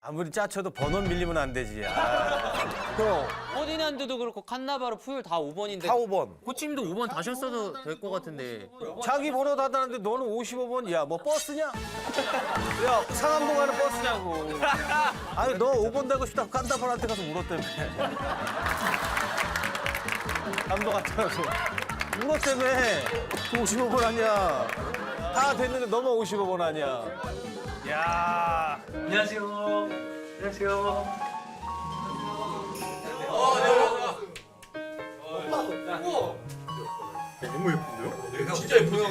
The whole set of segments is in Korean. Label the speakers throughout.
Speaker 1: 아무리 짜쳐도 번원 밀리면 안 되지.
Speaker 2: 형,
Speaker 3: 퍼디난드도 그렇고 칸나바로 푸율 다 5번인데
Speaker 1: 다 5번.
Speaker 3: 코치님도 5번 다셨어도 될 것 같은데.
Speaker 1: 자기 번호 다다는데 너는 55번. 야, 뭐 버스냐? 야, 상암동 가는 버스냐고. 아니, 너 5번 되고 싶다고 깐다번한테 가서 울었다며. 감독한테 가서 울었다며. 55번 아니야. 다 됐는데 너만 55번 아니야. 야.
Speaker 3: 안녕하세요. 안녕하세요.
Speaker 4: 너무 예쁜데요?
Speaker 5: 진짜 예쁘네요.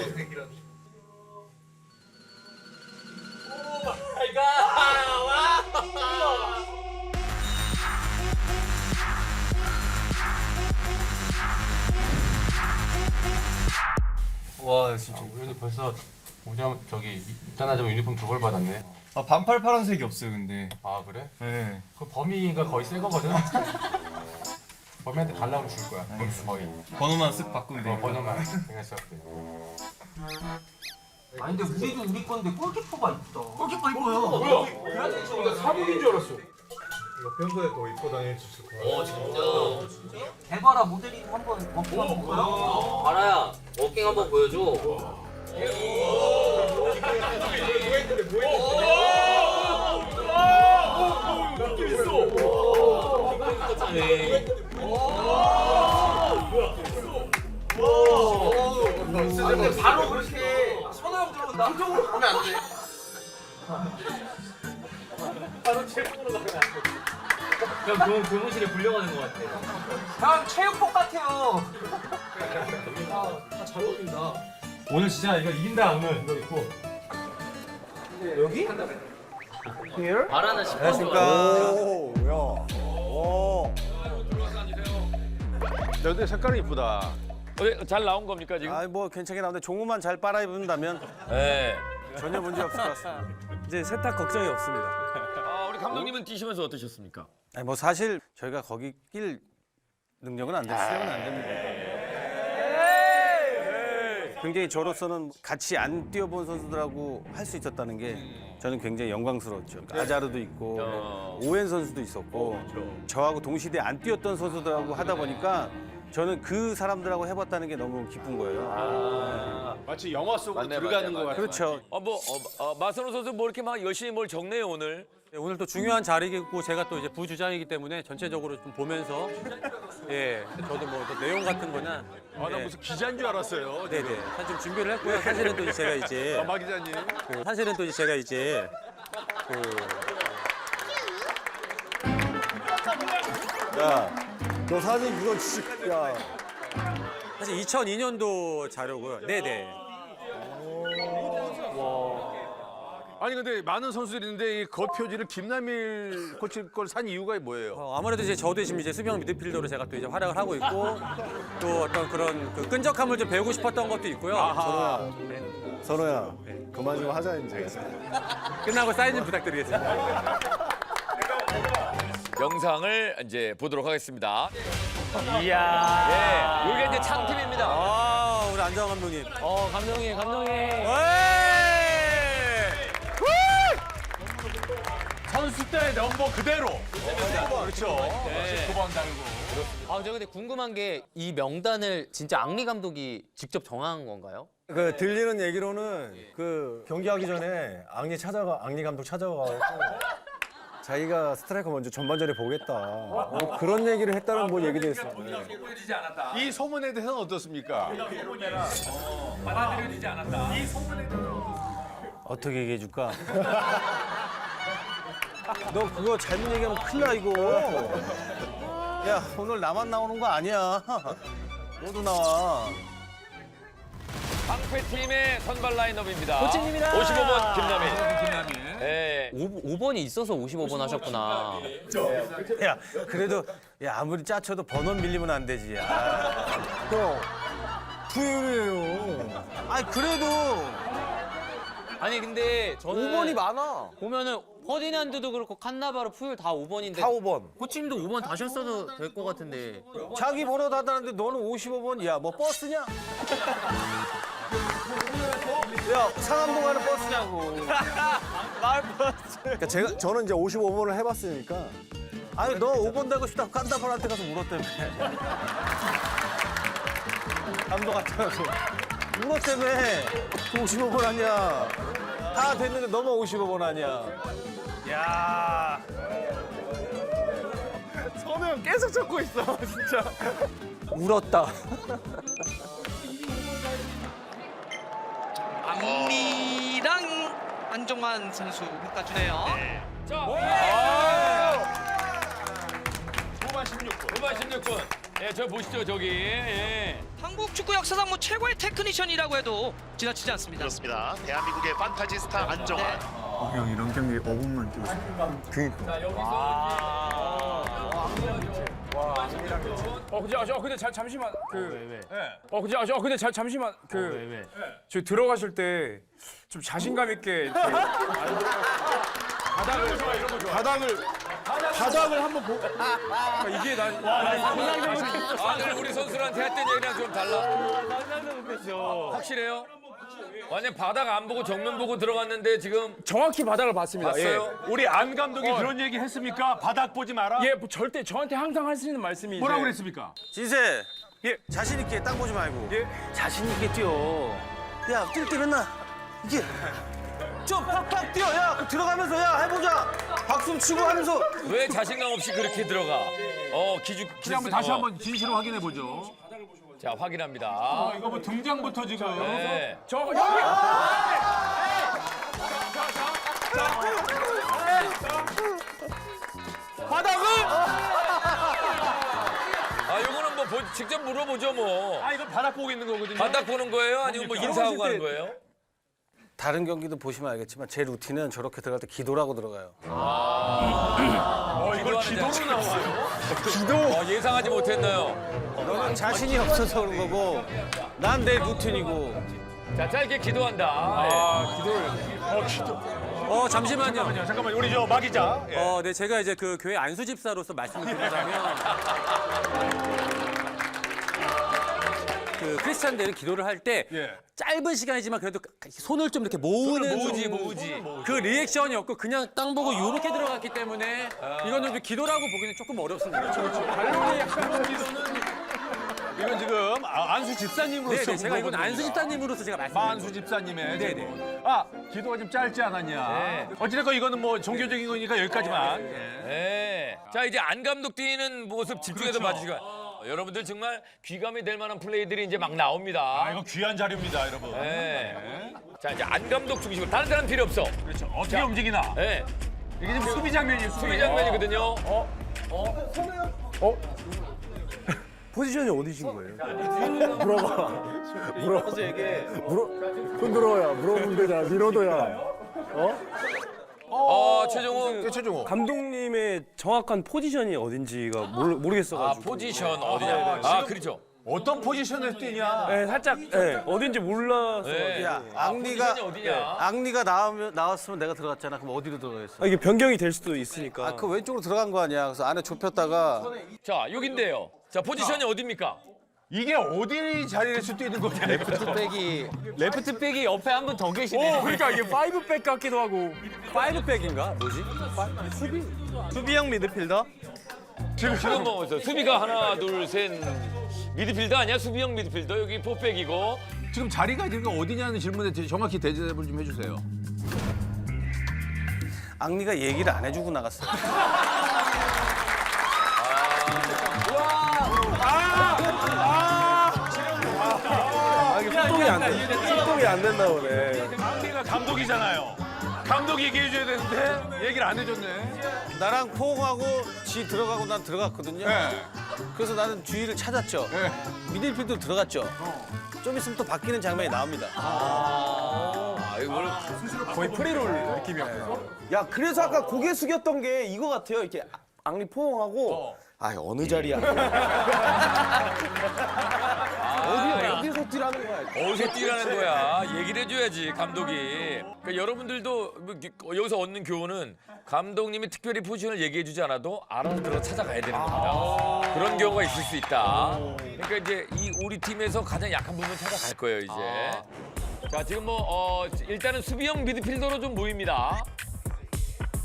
Speaker 4: 와 진짜 우리도 벌써 오자마자 저기 입단하자마자 유니폼 두 벌 받았네.
Speaker 2: 아 반팔 파란색이 없어요 근데.
Speaker 4: 아 그래?
Speaker 2: 네.
Speaker 4: 그 범위가 거의 새 거거든. 범위한테 달라고 줄 거야. 거의.
Speaker 2: 번호만 쓱 바꾸면 돼.
Speaker 4: 번호만 생각했을 때.
Speaker 5: 아니 근데 우리도 우리 건데 골키퍼가 이쁘다. 골키퍼 이뻐요.
Speaker 4: 뭐야? 나 사복인 줄 알았어. 이거 평소에 더 입고 다닐 수 있을 거야.
Speaker 3: 진짜.
Speaker 5: 대바라 모델이 한번 어깨가 볼까요?
Speaker 3: 바라야, 워킹 한번 보여줘.
Speaker 5: 근데 바로 그렇게 손으로 들어온다. 그쪽으로 가면 안 돼.
Speaker 3: 형 교무실에 불려가는 것 같아.
Speaker 5: 형 체육복 같아요.
Speaker 4: 오늘 진짜 이거 이긴다 오늘 이거 입고.
Speaker 3: 바라는 10번.
Speaker 1: 안녕하십니까. 오, 야. 오.
Speaker 6: 너도 색깔이 이쁘다.
Speaker 7: 잘 나온 겁니까 지금?
Speaker 1: 아이, 뭐 괜찮게 나오는데 종우만 잘 빨아 입는다면
Speaker 7: 네.
Speaker 1: 전혀 문제 없을 것 같습니다.
Speaker 2: 이제 세탁 걱정이 없습니다.
Speaker 7: 우리 감독님은 뛰시면서 어떠셨습니까?
Speaker 1: 아니, 뭐 사실 저희가 거기 낄 능력은 안 돼요. 수영은 안 됩니다. 굉장히 저로서는 같이 안 뛰어본 선수들하고 할 수 있었다는 게 저는 굉장히 영광스러웠죠. 아자르도 있고 오웬 선수도 있었고 저하고 동시대에 안 뛰었던 선수들하고 하다 보니까 저는 그 사람들하고 해봤다는 게 너무 기쁜 거예요.
Speaker 6: 마치 영화 속으로
Speaker 7: 맞네,
Speaker 6: 들어가는
Speaker 7: 맞네,
Speaker 6: 것 같아.
Speaker 1: 그렇죠.
Speaker 7: 마선호 선수 뭐 이렇게 막 열심히 뭘 적네요 오늘.
Speaker 8: 네, 오늘 또 중요한 자리이고 제가 또 이제 부주장이기 때문에 전체적으로 좀 보면서 예 저도 뭐 또 내용 같은 거나
Speaker 6: 나 무슨 기자인 줄 알았어요.
Speaker 8: 네네 사실 좀 준비를 했고요. 사실은 또 이제 제가 이제
Speaker 6: 마 기자님.
Speaker 8: 사실은 또 이제 제가 이제
Speaker 2: 야, 너 사진 그거 진짜. 야.
Speaker 8: 사실 2002년도 자료고요. 네네.
Speaker 6: 아니 근데 많은 선수들이 있는데 이 겉표지를 김남일 코치 걸 산 이유가 뭐예요?
Speaker 8: 아무래도 이제 저도 지금 이제 수비형 미드필더로 제가 또 이제 활약을 하고 있고 또 어떤 그런 그 끈적함을 좀 배우고 싶었던 것도 있고요.
Speaker 2: 선호야, 그만 좀 하자 이제.
Speaker 8: 끝나고 사인 좀 부탁드리겠습니다.
Speaker 7: 영상을 이제 보도록 하겠습니다. 이야. 예, 이게 이제 창팀입니다.
Speaker 8: 아 우리 안정환 감독님.
Speaker 3: 감독님.
Speaker 6: 선수 때 넘버 그대로. 그렇죠. 19번 달고.
Speaker 3: 아, 저 근데 궁금한 게 이 명단을 진짜 앙리 감독이 직접 정한 건가요?
Speaker 2: 그 들리는 얘기로는 그 경기하기 전에 앙리 감독 찾아가고 자기가 스트라이커 먼저 전반전에 보겠다. 뭐 그런 얘기를 했다는 뭐 얘기도 했어요.
Speaker 6: 이 소문에 대해서는 어떻습니까?
Speaker 1: 어떻게 얘기해 줄까? 너 그거 잘못 얘기하면 큰일 나 이거. 야, 오늘 나만 나오는 거 아니야. 너도 나와.
Speaker 7: 방패팀의 선발 라인업입니다.
Speaker 3: 코치님이다.
Speaker 7: 55번 김남일. 예.
Speaker 3: 5번이 있어서 55번 하셨구나.
Speaker 1: 야, 그래도 야 아무리 짜쳐도 번원 밀리면 안 되지.
Speaker 2: 형, 푸율이에요.
Speaker 1: 아니 그래도
Speaker 3: 아니 근데 저는
Speaker 1: 5번이 많아.
Speaker 3: 보면은 퍼디난드도 그렇고 칸나바로 푸율 다 5번인데
Speaker 1: 다 5번.
Speaker 3: 코치님도 5번 다셨어도 될 것 같은데.
Speaker 1: 자기 번호 다다는데 너는 55번. 야, 뭐 버스냐? 야, 상암동 가는 버스냐고.
Speaker 2: 그러니까 저는 이제 55번을 해봤으니까
Speaker 1: 아니 너 5번 되고 싶다고 깐다벌한테 가서 울었다며. 감독한테가서 울었다며. 55번 아니야. 다 됐는데 너만 55번 아니야. 야. 선우 형 계속 찾고 있어 진짜. 울었다.
Speaker 5: 악리랑 안정환 선수 바꿔주네요.
Speaker 7: 후반 16분. 예, 저 보시죠, 저기. 예.
Speaker 5: 한국 축구 역사상 뭐 최고의 테크니션이라고 해도 지나치지 않습니다.
Speaker 9: 그렇습니다. 대한민국의 판타지 스타 안정환.
Speaker 2: 형 이런 경기 5분만 뛰고 싶어.
Speaker 4: 근데 잠시만 근데 잠시만 저 들어가실 때 좀 자신감 있게 이렇게 바닥을 한번 보고 이게
Speaker 7: 다들 우리 선수들한테 했던 얘기랑 좀 달라. 확실해요? 완전 바닥 안 보고 정면 보고 들어갔는데 지금
Speaker 4: 정확히 바닥을 봤습니다.
Speaker 7: 봤어요?
Speaker 6: 우리 안 감독이 그런 얘기 했습니까? 바닥 보지 마라.
Speaker 4: 예, 뭐 절대 저한테 항상 하시는 말씀이
Speaker 6: 뭐라고
Speaker 4: 이제
Speaker 6: 그랬습니까?
Speaker 1: 진세.
Speaker 4: 예.
Speaker 1: 자신 있게 땅 보지 말고.
Speaker 4: 예.
Speaker 1: 자신 있게 뛰어. 야, 뛸 때 맨날 이게 좀 팍팍 뛰어. 야, 그럼 들어가면서 야 해보자. 박수 치고 하면서.
Speaker 7: 왜 자신감 없이 그렇게 들어가?
Speaker 6: 그냥 한번 다시 한번 진실을 확인해 보죠.
Speaker 7: 자, 확인합니다.
Speaker 6: 이거 뭐 등장부터 지금.
Speaker 7: 네.
Speaker 4: 저 여기
Speaker 7: 요거는 뭐 직접 물어보죠, 뭐.
Speaker 6: 이거 바닥 보고 있는 거거든요.
Speaker 7: 바닥 보는 거예요? 아니면 뭐 인사하고 가는 거예요?
Speaker 1: 다른 경기도 보시면 알겠지만 제 루틴은 저렇게 들어갈 때 기도라고 들어가요.
Speaker 6: 이걸 기도로 나와요.
Speaker 7: 예상하지 못했나요?
Speaker 1: 너는 자신이 없어서 그런 거고 난 내 루틴이고.
Speaker 7: 자, 짧게 기도한다.
Speaker 8: 잠시만요.
Speaker 6: 잠깐만 우리 저 마 기자.
Speaker 8: 네, 제가 이제 그 교회 안수 집사로서 말씀을 드리자면 그 크리스찬들은 기도를 할 때 짧은 시간이지만 그래도 손을 좀 이렇게 모으는
Speaker 7: 모으지.
Speaker 8: 그 리액션이었고 그냥 땅 보고 이렇게 들어갔기 때문에 이거는 좀 기도라고 보기는 조금 어렵습니다.
Speaker 6: 이건 지금 안수 집사님으로서
Speaker 8: 네네, 제가 이건
Speaker 6: 물어보는
Speaker 8: 안수
Speaker 6: 겁니다.
Speaker 8: 집사님으로서 제가 말씀드린
Speaker 6: 마안수 집사님의
Speaker 8: 네네.
Speaker 6: 지금. 기도가 좀 짧지 않았냐.
Speaker 7: 네.
Speaker 6: 어찌됐건 이거는 뭐 종교적인 거니까 여기까지만.
Speaker 7: 네. 자, 이제 안 감독 뛰는 모습 집중해서 봐주시고. 여러분들 정말 귀감이 될 만한 플레이들이 이제 막 나옵니다.
Speaker 6: 이거 귀한 자료입니다, 여러분.
Speaker 7: 네. 자, 이제 안 감독 중심으로 다른 사람 필요 없어.
Speaker 6: 그렇죠. 어떻게 움직이나.
Speaker 7: 네.
Speaker 6: 이게 지금 수비 장면이에요,
Speaker 7: 수비 장면이거든요.
Speaker 2: 포지션이 어디신 거예요? 물어봐. 흔들어야 물어보면 되잖아. 민호도야.
Speaker 7: 최종호.
Speaker 10: 감독님의 정확한 포지션이 어딘지가 모르겠어가지고.
Speaker 7: 포지션 어디냐. 그렇죠.
Speaker 6: 어떤 포지션에서 뛰냐.
Speaker 10: 네, 살짝 어딘지 몰라서.
Speaker 7: 네.
Speaker 1: 야, 악리가
Speaker 7: 포지션이 어디냐.
Speaker 1: 악리가 나왔으면 내가 들어갔잖아. 그럼 어디로 들어가겠어?
Speaker 10: 이게 변경이 될 수도 있으니까.
Speaker 1: 그 왼쪽으로 들어간 거 아니야. 그래서 안에 좁혔다가
Speaker 7: 자, 여긴데요. 자, 포지션이 어딥니까?
Speaker 6: 이게 어디 자리에서 뛰는 거냐.
Speaker 3: 레프트백이 옆에 한 분 더 계시네.
Speaker 10: 그러니까 이게 5백 같기도 하고. 5백인가? 뭐지? 수비형 미드필더?
Speaker 7: 지금 뭐 수비가 하나, 둘, 셋. 미드필더 아니야? 수비형 미드필더. 여기 포백이고.
Speaker 6: 지금 자리가 지금 어디냐는 질문에 정확히 대답을 좀 해주세요.
Speaker 1: 악리가 얘기를 안 해주고 나갔어.
Speaker 10: 소통이 안 된다 보네.
Speaker 6: 악리가 감독이잖아요. 감독이 얘기해줘야 되는데 얘기를 안 해줬네.
Speaker 1: 나랑 포옹하고 지 들어가고 난 들어갔거든요. 그래서 나는 주위를 찾았죠. 미들필드 들어갔죠. 좀 있으면 또 바뀌는 장면이 나옵니다.
Speaker 7: 이걸
Speaker 10: 거의 프리롤 느낌이었구나.
Speaker 2: 야, 그래서 아까 고개 숙였던 게 이거 같아요. 이렇게 앙리 포옹하고 어느 자리야? 어디서 뛰라는 거야?
Speaker 7: 어디서 뛰라는 거야. 얘기를 해줘야지, 감독이. 그러니까 여러분들도 뭐 여기서 얻는 교훈은 감독님이 특별히 포지션을 얘기해주지 않아도 알아서 들어 찾아가야 되는 겁니다. 그런 경우가 있을 수 있다. 그러니까 이제 우리 팀에서 가장 약한 부분 찾아갈 거예요, 이제. 자, 지금 일단은 수비형 미드필더로 좀 보입니다.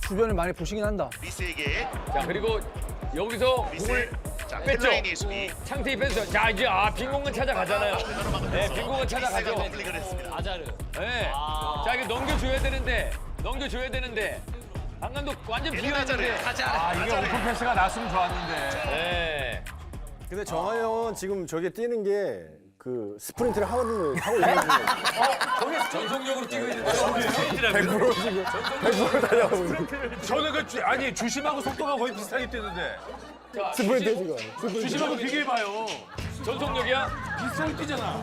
Speaker 11: 주변을 많이 보시긴 한다.
Speaker 9: 리스에게
Speaker 7: 자 그리고 여기서
Speaker 9: 리스.
Speaker 7: 공을
Speaker 9: 자,
Speaker 7: 뺐죠.
Speaker 9: 헬라인이 수비.
Speaker 7: 창태이 뺐어요. 자 이제 빈 공간 찾아가잖아요. 네, 빈 공간 찾아가죠.
Speaker 9: 리스가 컴플릭을 했습니다.
Speaker 3: 아자르.
Speaker 7: 네. 자 이게 넘겨줘야 되는데 강 감독 완전 비어있는데.
Speaker 6: 이게 오픈 패스가 났으면 좋았는데.
Speaker 7: 네.
Speaker 2: 근데 정한 형은 지금 저게 뛰는 게 그 스프린트를 하고 있는 거예요.
Speaker 7: 전속력으로 뛰고 있는데.
Speaker 2: 100% 지금 100% 달려가고 있는 거예요.
Speaker 6: 저는 아니 주심하고 속도가 거의 비슷하게 뛰는데.
Speaker 2: 스프린트 지금.
Speaker 6: 주심하고 비교해봐요.
Speaker 7: 전속력이야?
Speaker 6: 비슷하게 뛰잖아.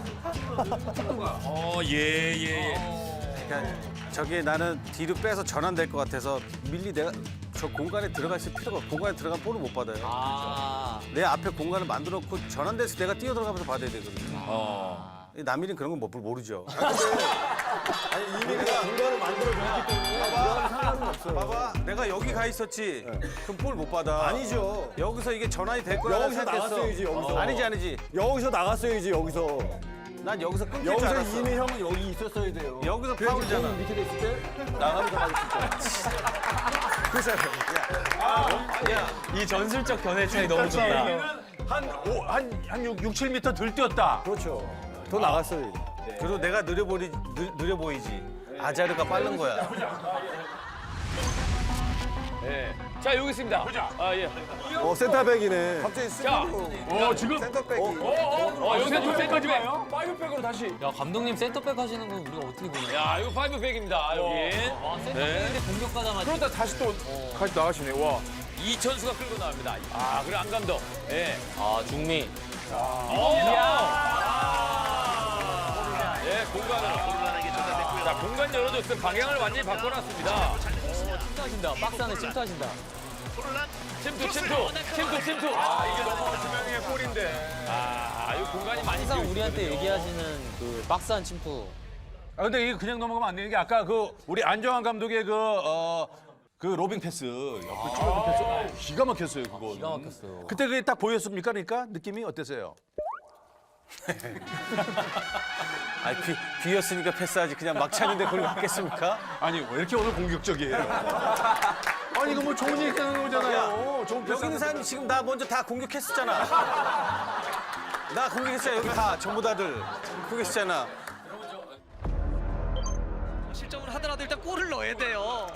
Speaker 7: 예.
Speaker 1: 그러니까 저게 나는 뒤로 빼서 전환될 것 같아서 밀리 내가 저 공간에 들어갈 필요가 없고 공간에 들어가면 볼을 못 받아요. 내 앞에 공간을 만들어 놓고 전환돼서 내가 뛰어 들어가면서 받아야 되거든요. 남일은 그런 건 모르죠.
Speaker 2: 아니 이민이가 공간을 만들어줬기 때문에 그거는 상관은 없어요.
Speaker 1: 봐봐, 내가 여기 가 있었지. 그럼 볼 못 받아.
Speaker 2: 아니죠.
Speaker 1: 여기서 이게 전환이 될 거라고
Speaker 2: 여기서
Speaker 1: 생각했어.
Speaker 2: 나갔어야지, 여기서.
Speaker 1: 아니지.
Speaker 2: 여기서 나갔어야지 여기서.
Speaker 1: 난 여기서 끊길 줄
Speaker 2: 여기서
Speaker 1: 알았어.
Speaker 2: 이미 형은 여기 있었어야 돼요.
Speaker 1: 여기서
Speaker 2: 그래서
Speaker 1: 파울이잖아.
Speaker 2: 공 밑에 있을 때 나가면서 맞을 수 있잖아. 그렇잖아요.
Speaker 10: 이 전술적 견해 차이 너무 좋다.
Speaker 6: 한 6, 7m 덜 뛰었다.
Speaker 2: 그렇죠. 더 나갔어요.
Speaker 1: 그리고 내가 느려 보이지. 아자르가 빠른 거야.
Speaker 7: 네. 자 여기 있습니다.
Speaker 6: 보자.
Speaker 7: 예.
Speaker 2: 센터백이네.
Speaker 1: 갑자기
Speaker 7: 자.
Speaker 6: 지금
Speaker 1: 센터백이.
Speaker 7: 여기서 좀 센터백.
Speaker 6: 파이브백으로 다시.
Speaker 3: 야 감독님 센터백 하시는 거 우리가 어떻게 보냐?
Speaker 7: 야 이거 5백입니다 여기.
Speaker 3: 센터백인데 공격가다
Speaker 6: 그러다 다시 또 같이 나가시네. 와.
Speaker 7: 이천수가 끌고 나옵니다. 그리고 안 감독. 예.
Speaker 3: 중미.
Speaker 7: 예, 공간으로.
Speaker 9: 곤란하게 전달됐고요.
Speaker 7: 자, 공간 열어줬어요. 방향을 완전히 바꿔놨습니다.
Speaker 3: 침투하신다. 박스 안에 침투하신다.
Speaker 9: 혼란.
Speaker 7: 침투. 이게 넘어온 두 명의 골인데. 이 공간이 많이
Speaker 3: 항상
Speaker 7: 비어
Speaker 3: 우리한테
Speaker 7: 있거든요.
Speaker 3: 얘기하시는 그 박스 안 침투.
Speaker 6: 근데 이게 그냥 넘어가면 안 되는 게 아까 우리 안정환 감독의 그 로빙 패스 옆에 쭉 패스 기가 막혔어요 그거.
Speaker 3: 기가 막혔어요.
Speaker 6: 그때 그게 딱 보였습니까? 그러니까 느낌이 어땠어요?
Speaker 1: 아니 비었으니까 패스하지. 그냥 막 차는데 그걸 맞겠습니까?
Speaker 6: 아니 왜 이렇게 오늘 공격적이에요? 아니 이거 뭐 좋은 얘기 하는 거잖아요. 좋은 패스
Speaker 1: 여기 있는 사람이 지금 나 먼저 다 공격했었잖아. 나 공격했잖아. 여기 다 전부 다들 공격했잖아.
Speaker 5: 실점을 하더라도 일단 골을 넣어야 돼요.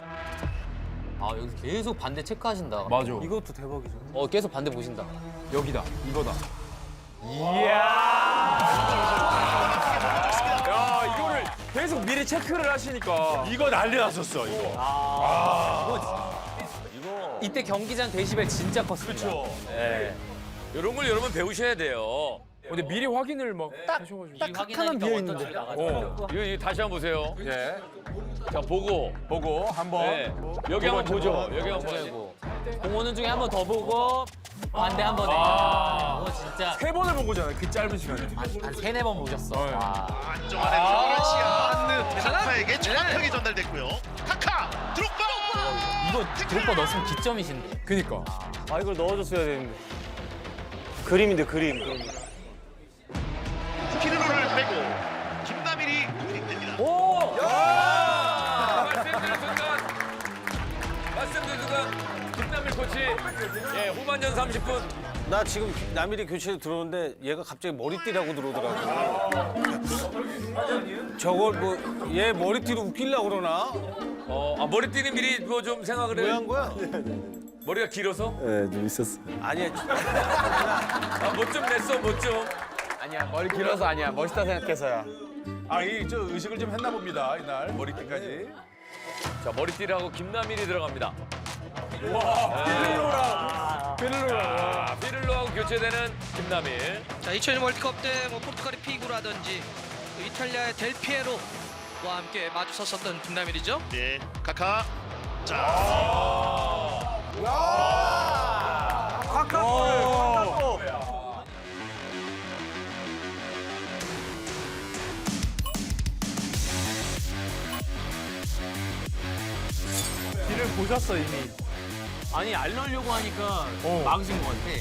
Speaker 3: 여기 계속 반대 체크하신다.
Speaker 6: 맞아.
Speaker 1: 이것도 대박이죠.
Speaker 3: 계속 반대 보신다.
Speaker 6: 여기다 이거다.
Speaker 10: 야, 이거를 계속 미리 체크를 하시니까.
Speaker 6: 이거 난리 났었어 이거.
Speaker 3: 이때 경기장 데시벨 진짜 컸습니다.
Speaker 6: 그렇죠.
Speaker 7: 이런 걸 여러분 배우셔야 돼요.
Speaker 10: 근데 미리 확인을 막 하셔가지고.
Speaker 3: 딱 하나는 비어 있는데.
Speaker 7: 이거 다시 한번 보세요.
Speaker 6: 예.
Speaker 7: 자, 보고.
Speaker 6: 한번.
Speaker 7: 네. 여기 한번 보죠. 여기 한번 보죠.
Speaker 3: 공 오는 중에 한 번 더 보고 반대 한 번에. 진짜
Speaker 10: 3번을 본 거잖아요. 그 짧은 시간에.
Speaker 3: 한 3-4번 보셨어.
Speaker 9: 안정환의 노란 시야. 카카에게 정확하게 전달됐고요. 카카 드록바.
Speaker 3: 이거 드롭바 넣었으면 기점이신데.
Speaker 10: 그니까.
Speaker 1: 이걸 넣어줬어야 되는데. 그림인데 그림.
Speaker 9: 피르로를 빼고 김남일이 득점됩니다.
Speaker 7: 말씀드린 순간 김남일 코치. 예, 후반전 30분.
Speaker 1: 나 지금 남일이 교체로 들어오는데 얘가 갑자기 머리띠라고 들어오더라고. 저걸 얘 머리띠로 웃기려고 그러나?
Speaker 7: 머리띠는 미리 뭐 좀 생각을
Speaker 1: 왜
Speaker 7: 해.
Speaker 1: 한 거야?
Speaker 7: 머리가 길어서?
Speaker 2: 네, 좀 있었어.
Speaker 1: 아니야.
Speaker 7: 뭐 좀 냈어, 뭐 좀.
Speaker 10: 아니야, 머리 길어서 아니야. 멋있다 생각해서야.
Speaker 6: 이 의식을 좀 했나 봅니다 이날 머리띠까지.
Speaker 7: 자, 머리띠하고 김남일이 들어갑니다. 피를로하고 교체되는 김남일.
Speaker 5: 자, 2002 월드컵 때 뭐 포르투갈의 피구라든지 또 이탈리아의 델피에로와 함께 마주섰었던 김남일이죠.
Speaker 9: 네, 카카. 자.
Speaker 10: 길을 보셨어, 이미.
Speaker 3: 아니 안 넣으려고 하니까 막으신 것 같아.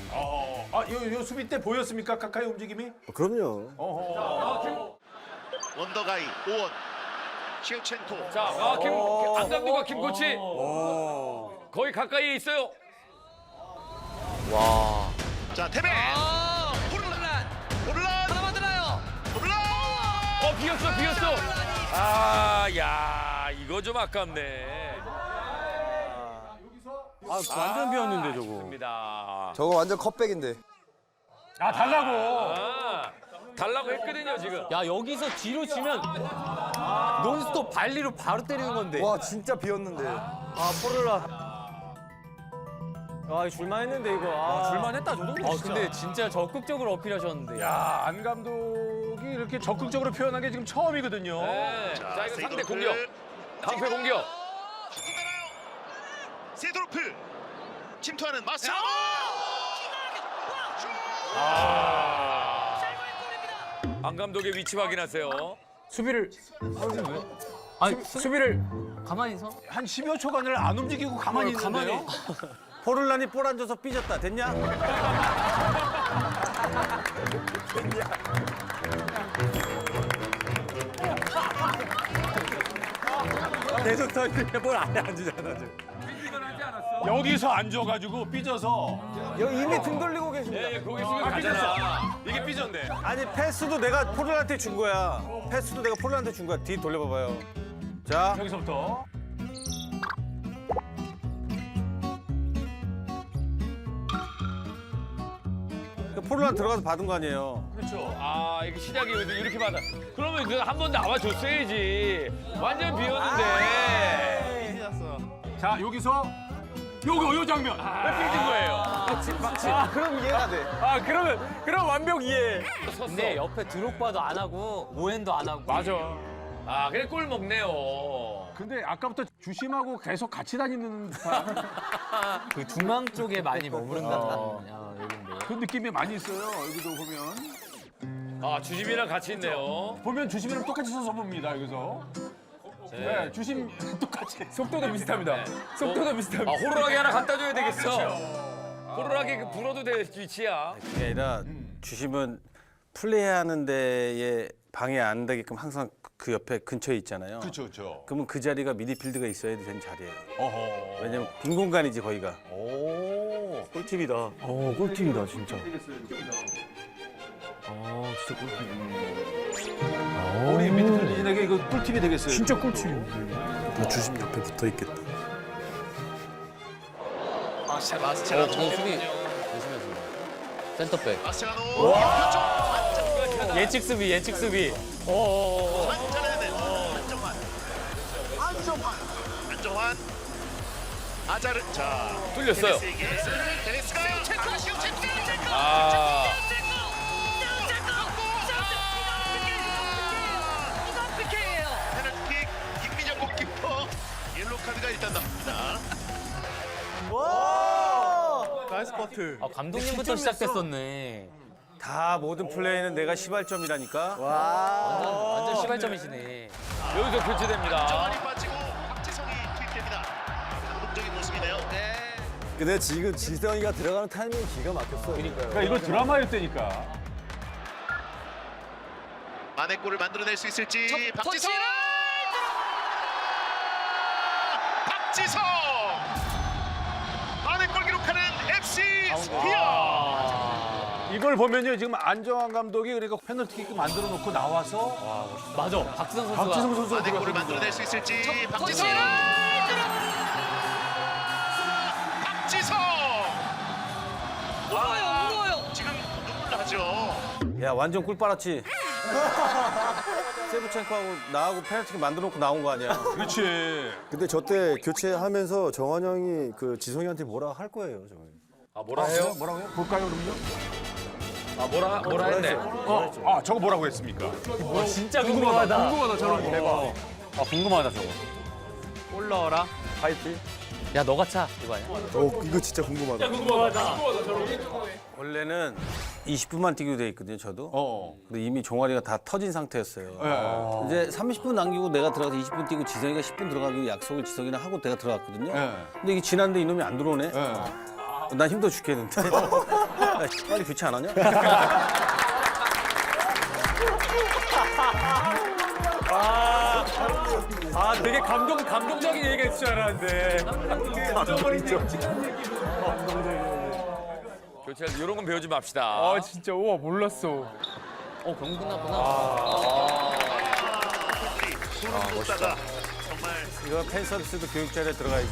Speaker 6: 요 수비 때 보였습니까? 카카의 움직임이?
Speaker 2: 그럼요.
Speaker 9: 원더가이 오원 시우첸토.
Speaker 7: 자, 안 감독과 김 코치 거의 가까이에 있어요.
Speaker 3: 와.
Speaker 9: 자 태백
Speaker 5: 호르란
Speaker 9: 오를란
Speaker 5: 하나 만들어요.
Speaker 9: 오를란
Speaker 7: 비었어. 아, 야, 이거 좀 아깝네.
Speaker 10: 아, 완전 비었는데 저거.
Speaker 7: 입니다.
Speaker 2: 저거 완전 컵백인데.
Speaker 6: 아 달라고.
Speaker 7: 달라고 했거든요, 지금.
Speaker 3: 야, 여기서 뒤로 치면 논스톱 발리로 바로 때리는 건데.
Speaker 2: 와 진짜 비었는데.
Speaker 10: 아, 포를라. 아, 줄만했는데 이거. 아, 줄만했다 저 정도.
Speaker 3: 아, 근데 진짜 적극적으로 어필하셨는데.
Speaker 6: 야, 안 감독이 이렇게 적극적으로 표현한 게 지금 처음이거든요.
Speaker 7: 네. 자, 이거 상대 공격. 방패 공격.
Speaker 9: 세도르프 침투하는 마스터.
Speaker 7: 안 감독의 위치 확인하세요.
Speaker 10: 수비를
Speaker 3: 아니,
Speaker 10: 수비를
Speaker 3: 가만히 서.
Speaker 6: 한 10여 초간을 안 움직이고 가만히 있는데요.
Speaker 1: 포를란이 볼 안 줘서 삐졌다. 됐냐?
Speaker 10: 계속 터지는데 뭘안 앉으잖아 지금.
Speaker 6: 여기서 앉아가지고 삐져서.
Speaker 10: 여기 이미 등 돌리고 계십니다.
Speaker 7: 예, 거기 있으면 가잖아.
Speaker 6: 이게 삐졌네.
Speaker 1: 아니 패스도 내가 포를란한테 준 거야. 패스도 내가 포를란한테 준 거야. 뒤 돌려봐봐요. 자,
Speaker 6: 여기서부터.
Speaker 1: 포를란 들어가서 받은 거 아니에요.
Speaker 7: 그렇죠. 아, 이게 시작이 이렇게 받아. 그러면 그 한 번 나와줬어야지. 완전 비었는데.
Speaker 6: 자 여기서 요 장면.
Speaker 7: 왜 삐진 거예요?
Speaker 10: 아, 그럼 이해가 돼. 아, 그럼 완벽 이해.
Speaker 3: 근데 옆에 드록바도 안 하고 오웬도 안 하고.
Speaker 7: 맞아. 아, 그래 골 먹네요.
Speaker 6: 근데 아까부터 주심하고 계속 같이 다니는
Speaker 3: 그 중앙 쪽에 많이 머무른다는 얘긴데.
Speaker 6: 그 느낌이 많이 있어요. 여기도 보면.
Speaker 7: 아, 주심이랑 같이 있네요.
Speaker 6: 보면 주심이랑 똑같이 서서 봅니다. 여기서. 네, 주심 똑같이.
Speaker 10: 속도도 비슷합니다. 속도도
Speaker 7: 아,
Speaker 10: 비슷합니다.
Speaker 7: 호루라기 하나 갖다 줘야 되겠어. 호루라기 그 불어도 될 위치야.
Speaker 1: 그게 아니라 주심은 플레이하는 데에 방해 안 되게끔 항상 그 옆에 근처에 있잖아요.
Speaker 6: 그렇죠.
Speaker 1: 그러면 그 자리가 미드필드가 있어야 되는 자리예요.
Speaker 6: 어허.
Speaker 1: 왜냐면 빈 공간이지 거기가.
Speaker 6: 오.
Speaker 10: 꿀팁이다. 꿀팁이다 진짜. 진짜 꿀팁.
Speaker 6: 우리 미드필더진에게 이거 꿀팁이 되겠어요.
Speaker 10: 진짜 꿀팁.
Speaker 1: 주심 옆에 붙어 있겠다.
Speaker 9: 마스체라노
Speaker 3: 저 수비 조심해서. 센터백.
Speaker 9: 마스체라노
Speaker 3: 예측 수비.
Speaker 9: 완전해낸 안정환 아자르. 자
Speaker 7: 뚫렸어요.
Speaker 9: 데니스가
Speaker 7: 아,
Speaker 9: 페널티킥 김민영 골키퍼 옐로우 카드가 일단 나옵니다.
Speaker 10: 나이스 커트.
Speaker 3: 아, 감독님부터 시작됐었네.
Speaker 1: 다 모든 플레이는 내가 시발점이라니까.
Speaker 3: 완전 시발점이시네.
Speaker 7: 여기서 교체됩니다.
Speaker 9: 안정환이 빠지고 박지성이 투입됩니다. 감동적인 모습이네요.
Speaker 2: 근데 지금 지성이가 들어가는 타이밍이 기가 막혔어요.
Speaker 6: 그러니까 이거 드라마였다니까.
Speaker 9: 만회골을 만들어낼 수 있을지 박지성. 박지성 만회골 기록하는 FC 스피어.
Speaker 6: 이걸 보면요 지금 안정환 감독이 그러니까 페널티킥 만들어 놓고 나와서
Speaker 3: 맞아. 박지성 선수가.
Speaker 6: 박지성 선수가
Speaker 9: 만회골을 만들어낼 수 있을지 박지성. 박지성
Speaker 5: 울어요.
Speaker 9: 지금 눈물 나죠.
Speaker 1: 야 완전 꿀 빨았지. 세부첸코하고 나하고 페널티킥 만들어 놓고 나온 거 아니야.
Speaker 6: 그렇지.
Speaker 2: 근데 저 때 교체하면서 정환 형이 그 지성이한테 뭐라 할 거예요, 저거.
Speaker 7: 아, 뭐라 해요?
Speaker 6: 뭐라고요? 볼까요 그럼요?
Speaker 7: 아, 뭐라 했네.
Speaker 6: 저거 뭐라고 했습니까?
Speaker 3: 진짜 궁금하다.
Speaker 10: 궁금하다 저런 거. 대박. 아 궁금하다 저거.
Speaker 3: 골 넣어라.
Speaker 10: 파이팅.
Speaker 3: 야, 너가 차. 이거 아니야?
Speaker 2: 이거 진짜 궁금하다.
Speaker 1: 원래는 20분만 뛰기로 돼 있거든요, 저도. 근데 이미 종아리가 다 터진 상태였어요. 이제 30분 남기고 내가 들어가서 20분 뛰고 지성이가 10분 들어가기로 약속을 지성이랑 하고 내가 들어갔거든요. 근데 이게 지났는데 이놈이 안 들어오네. 난 힘들어 죽겠는데. 야, 빨리 교체 안 하냐?
Speaker 10: 아, 되게 감동적인 얘기가 있을 줄 알았는데.
Speaker 7: 교체 이런 건 배우지 맙시다.
Speaker 10: 아, 진짜 우와 몰랐어.
Speaker 3: 경기 끝났구나.
Speaker 9: 멋있다. 정말
Speaker 1: 이거 팬 서비스도 교육자리에 들어가야죠.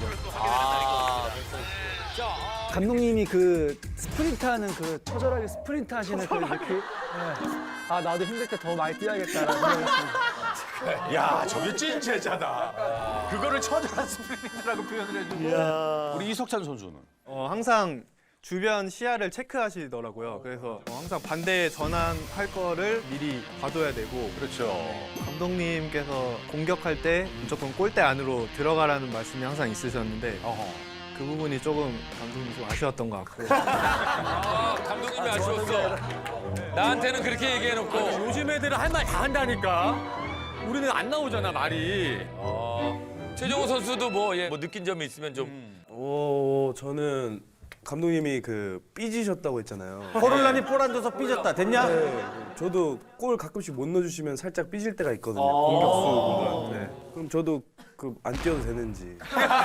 Speaker 11: 감독님이 그 스프린트 하는 그 처절하게 스프린트 하시는 그 느낌. 아 나도 힘들 때 더 많이 뛰어야겠다라는 생각이
Speaker 6: 야, 저게 찐 제자다. 그거를 처절한 스프린트라고 표현을 해주고. 우리 이석찬 선수는?
Speaker 12: 항상 주변 시야를 체크하시더라고요. 그래서 항상 반대에 전환할 거를 미리 봐둬야 되고.
Speaker 6: 그렇죠.
Speaker 12: 감독님께서 공격할 때 무조건 골대 안으로 들어가라는 말씀이 항상 있으셨는데 그 부분이 조금 감독님 좀 아쉬웠던 것 같고.
Speaker 7: 감독님이 아쉬웠어. 나한테는 그렇게 얘기해놓고.
Speaker 10: 요즘 애들은 할 말 다 한다니까. 우리는 안 나오잖아 말이.
Speaker 7: 최정호 선수도 뭐 느낀 점이 있으면 좀.
Speaker 13: 저는 감독님이 그 삐지셨다고 했잖아요.
Speaker 1: 포를란이 볼 안 줘서 삐졌다. 됐냐?
Speaker 13: 네, 저도 골 가끔씩 못 넣어주시면 살짝 삐질 때가 있거든요. 공격수분들한테. 네. 그럼 저도 그 안 뛰어도 되는지.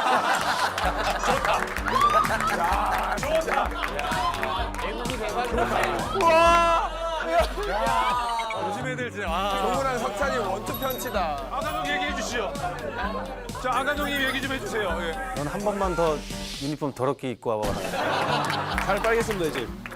Speaker 10: 요즘 애들 진짜.
Speaker 2: 정우랑 석찬이 원투 편치다.
Speaker 6: 아 감독 얘기해 주시죠. 자, 안 감독님 얘기 좀 해주세요. 예.
Speaker 1: 넌 한 번만 더 유니폼 더럽게 입고 와봐.
Speaker 13: 잘 빨겠습니다 이제.